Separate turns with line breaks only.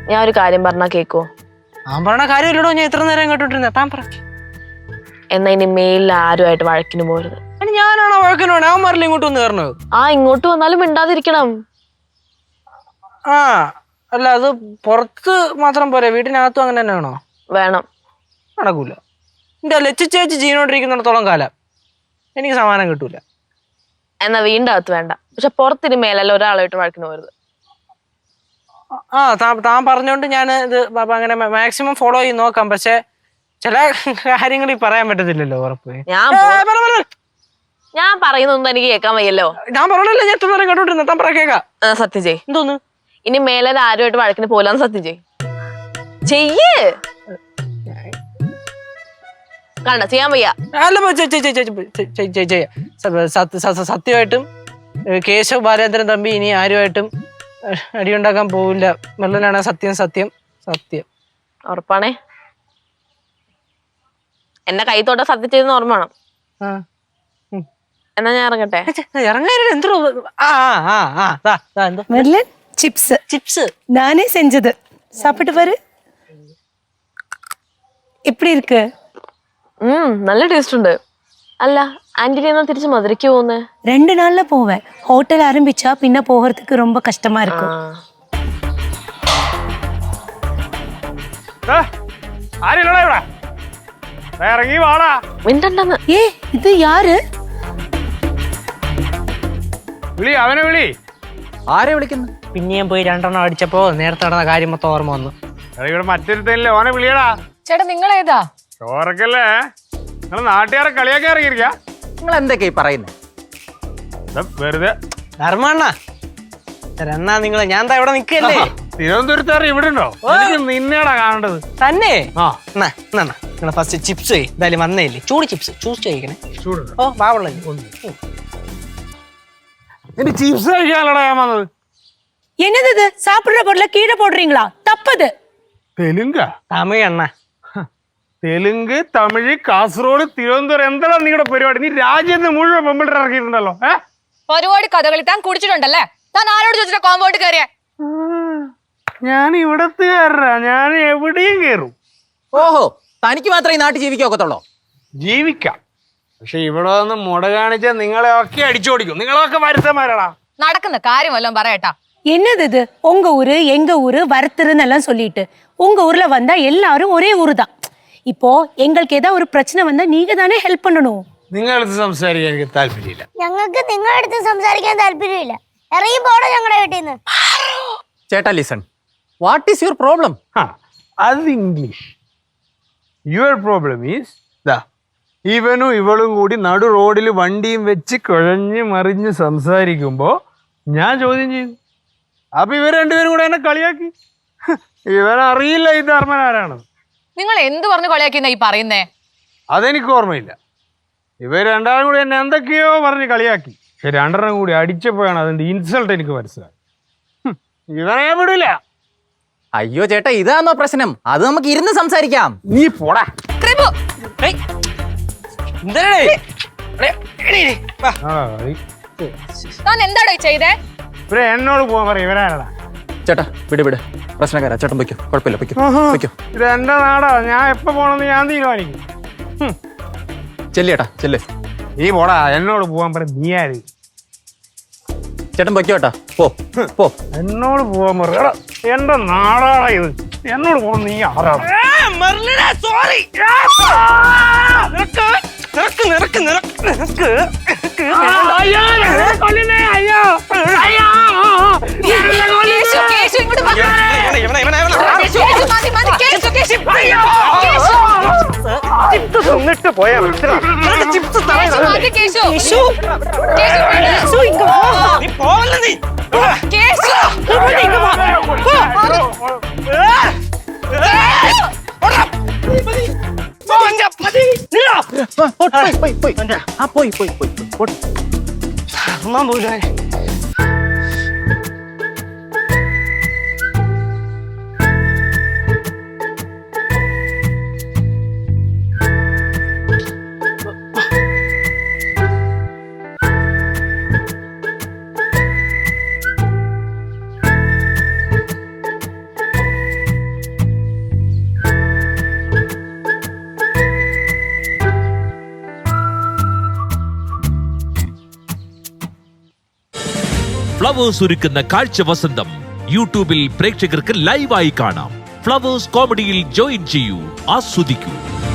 ഞാൻ ഒരു കാര്യം പറഞ്ഞാ കേക്കോ?
ഞാൻ പറഞ്ഞ കാര്യമില്ലടോ, ഞാൻ എത്ര നേരം കേട്ടോണ്ടിരുന്ന. താൻ പറ.
എന്നാ ഇനി മെയിലിൽ ആരുമായിട്ട് വഴക്കിന് പോരുത്.
ഞാനാണോ വഴക്കിന് പോണേ? അവൻ പറഞ്ഞില്ല ഇങ്ങോട്ട് വന്ന് കയറണത്.
ഇങ്ങോട്ട് വന്നാലും മിണ്ടാതിരിക്കണം.
അല്ല, അത് പുറത്ത് മാത്രം പോരെ, വീട്ടിനകത്തും അങ്ങനെ തന്നെ വേണോ?
വേണം.
നടക്കൂല. എന്റെ ലച്ചു ചേച്ചി ജീവനോട്ടിരിക്കുന്നിടത്തോളം കാലം എനിക്ക് സമാധാനം കിട്ടൂല.
എന്നാ വീണ്ടും അകത്ത് വേണ്ട. പക്ഷെ പുറത്തിന് മേലല്ല ഒരാളായിട്ട് വഴക്കിന് പോരുത്.
താൻ പറഞ്ഞോണ്ട് ഞാൻ ഇത് അങ്ങനെ മാക്സിമം ഫോളോ ചെയ്ത് നോക്കാം. പക്ഷെ ചില കാര്യങ്ങൾ പറയാൻ പറ്റത്തില്ലല്ലോ. ഉറപ്പ്
ഞാൻ പറയുന്നൊന്നും എനിക്ക് കേൾക്കാൻ വയ്യല്ലോ.
ഞാൻ പറഞ്ഞല്ലോ, ഞാൻ എത്ര നേരം കേട്ടോണ്ടിരുന്ന. താൻ പറ കേൾക്കാം.
സത്യം ചെയ്.
എന്തോന്ന്?
ഇനി മേലെ ആരുമായിട്ട് വഴക്കിന് പോലാന്ന് സത്യം ചെയ്യ്. കണ്ട ചെയ്യാൻ വയ്യ.
സത്യമായിട്ടും കേശവ് ബാലേന്ദ്രൻ തമ്പി ഇനി ആരുമായിട്ടും അടിയുണ്ടാക്കാൻ പോവില്ല. മെല്ലനാണ് സത്യം സത്യം സത്യം.
ഉറപ്പാണേ? എന്നെ കൈത്തോട്ട സത്യം ചെയ്തെന്ന് ഓർമ്മ വേണം. എന്നാ ഞാൻ ഇറങ്ങട്ടെ.
இறங்காயிரம் எந்த
மெர்லின் சிப்ஸ்
சிப்ஸ்
நானே செஞ்சது. சாப்பிட்டு பாரு, எப்படி இருக்கு?
നല്ല ടേസ്റ്റ് ഉണ്ട്. അല്ല ആന്റിനെ എന്നാ തിരിച്ച് മധുരയ്ക്ക് പോകുന്നേ?
2 நாள்ல போவேன். ஹோட்டல் ஆரம்பிச்சா பின்ன போகிறதுக்கு ரொம்ப கஷ்டமா இருக்கும். ஏ இது யாரு?
വിളി, അവനെ വിളി. ആരെ വിളിക്കുന്നു?
പിന്നെയും പോയി 2 എണ്ണം അടിച്ചപ്പോ നേരത്തെ നടന്ന കാര്യം മൊത്തം ഓർമ്മ വന്നു.
ഇവിടെ മറ്റൊരുത്തല്ലേ, ഓനെ വിളിയടാ.
ചേട്ടാ നിങ്ങൾ ഏതാ?
ചോറക്കല്ലേ? നിങ്ങൾ നാട്ടുകാരെ കളിയാക്കി ഇറങ്ങിയിരിക്ക.
നിങ്ങൾ എന്തൊക്കെയാ പറയുന്നത്?
വെറുതെ
ധർമ്മണ്ണ എന്നാ നിങ്ങള് ഞാൻ ഇവിടെ നിക്കല്ലേ?
തിരുവനന്തപുരത്തുകാർ ഇവിടെ ഉണ്ടോ? നിന്നെയാടാ കാണേണ്ടത്
തന്നെ.
ആ
നിങ്ങളെ ഫസ്റ്റ് ചിപ്സ് എന്തായാലും വന്നേല്ലേ, ചൂട് ചിപ്സ് ചൂസ് ചെയ്യിക്കണേ.
ചൂട്
ഓ ബാവുള്ള
നിന്റെ ചിപ്സ് കഴിക്കാനല്ലടാ ഞാൻ വന്നത്.
என்னது இது? சாப்பிடுற பொருளை கீழே போடுறீங்களா? தப்பது.
തെലുങ്ക?
തമിഴ് അണ്ണ.
തെലുങ്ക്, തമിഴ്, കാസർഗോഡ്, തിരുവനന്തപുരം, എന്താണ് നിങ്ങളുടെ പരിപാടി? നീ രാജ്യത്ത് മുഴുവൻ പെമ്പിളിട്ട് ഇറക്കിയിട്ടുണ്ടല്ലോ.
പരിപാടി കഥകളി താൻ കുടിച്ചിട്ടുണ്ടല്ലേ? താൻ ആരോട് ചോദിച്ചിട്ട് കോമ്പൗണ്ട് കയറിയ?
ഞാൻ ഇവിടത്തുകാരനാ, ഞാൻ എവിടെയും കയറും.
ഓഹോ, തനിക്ക് മാത്രമേ ഈ നാട്ടിൽ ജീവിക്കൊക്കത്തുള്ളൂ?
ജീവിക്കാം, പക്ഷെ ഇവിടെ വന്ന് മുട കാണിച്ചാൽ നിങ്ങളെ ഒക്കെ അടിച്ചോടിക്കും. നിങ്ങളൊക്കെ വരുത്തന്മാരാടാ.
നടക്കുന്ന കാര്യം വല്ലതും പറയട്ടാ.
என்னது இது? உங்க ஊரு எங்க ஊரு வரத்துருன்னு எல்லாம் சொல்லிட்டு உங்க ஊர்ல வந்தா எல்லாரும் ஒரே ஊரு தான். இப்போ எங்களுக்கு ஏதாவது ஒரு பிரச்சனை வந்தா நீங்க தானே ஹெல்ப் பண்ணணும்.
നിങ്ങളടുത്ത് സംസാരിക്കാൻ എനിക്ക് താല്പര്യമില്ല.
ഞങ്ങൾക്ക് നിങ്ങളുടെ അടുത്ത് സംസാരിക്കാൻ താല്പര്യമില്ല. ഇറങ്ങി പോണോ ഞങ്ങളുടെ വീട്ടിൽ നിന്ന്?
ചേട്ടാ listen, what is your problem?
അത് ഇംഗ്ലീഷ്. യുവർ പ്രോബ്ലം ഈസ് ഇവനും ഇവളും കൂടി നടു റോഡിൽ വണ്ടിയും വെച്ച് കുഴഞ്ഞ് മറിഞ്ഞ് സംസാരിക്കുമ്പോ ഞാൻ ചോദ്യം ചെയ്തു. അപ്പൊ ഇവർ രണ്ടുപേരും കൂടെ എന്നെ കളിയാക്കി. ഇവനറിയില്ല ഈ ധർമ്മൻ ആരാണ്.
നിങ്ങൾ എന്ത് പറഞ്ഞു കളിയാക്കിയെന്നാ ഈ പറയുന്നേ?
അതെനിക്ക് ഓർമ്മയില്ല. ഇവർ രണ്ടാളും കൂടി എന്നെ എന്തൊക്കെയോ പറഞ്ഞ് കളിയാക്കി. പക്ഷെ 2 എണ്ണം കൂടി അടിച്ചപ്പോഴാണ് അതിന്റെ ഇൻസൾട്ട് എനിക്ക് മനസ്സിലായി. ഇവനെ ഞാൻ വിടില്ല.
അയ്യോ ചേട്ടാ, ഇതാണോ പ്രശ്നം? അത് നമുക്ക് ഇരുന്ന് സംസാരിക്കാം.
നീ പോടാ.
താൻ എന്താടോ ചെയ്തേ?
ഇവരെ എന്നോട് പോവാൻ പറയും. ഇവരാരടാ?
ചേട്ടാ വിട്, പ്രശ്നക്കാരാ. ചേട്ടൻ പൊയ്ക്കോ, കുഴപ്പമില്ല, പൊയ്ക്കോ.
ഇത് എന്റെ നാടാ, ഞാൻ എപ്പോ പോണെന്ന് ഞാൻ തീരുമാനിക്കും.
ചെല്ലേട്ടാ ചെല്ല്.
നീ പോടാ, എന്നോട് പോവാൻ പറയും. നീ ആര്?
ചേട്ടൻ പൊയ്ക്കോട്ടാ, പോ.
എന്നോട് പോവാൻ പറയടാ. എന്റെ നാടാടാ ഇത്. എന്നോട് പോകാൻ നീ ആരാടാ?
സോറി.
എന്നിട്ട് പോയാ
പോയി.
ഫ്ലവേഴ്സ് ഒരുക്കുന്ന കാഴ്ച വസന്തം യൂട്യൂബിൽ പ്രേക്ഷകർക്ക് ലൈവായി കാണാം. ഫ്ലവേഴ്സ് കോമഡിയിൽ ജോയിൻ ചെയ്യൂ, ആസ്വദിക്കൂ.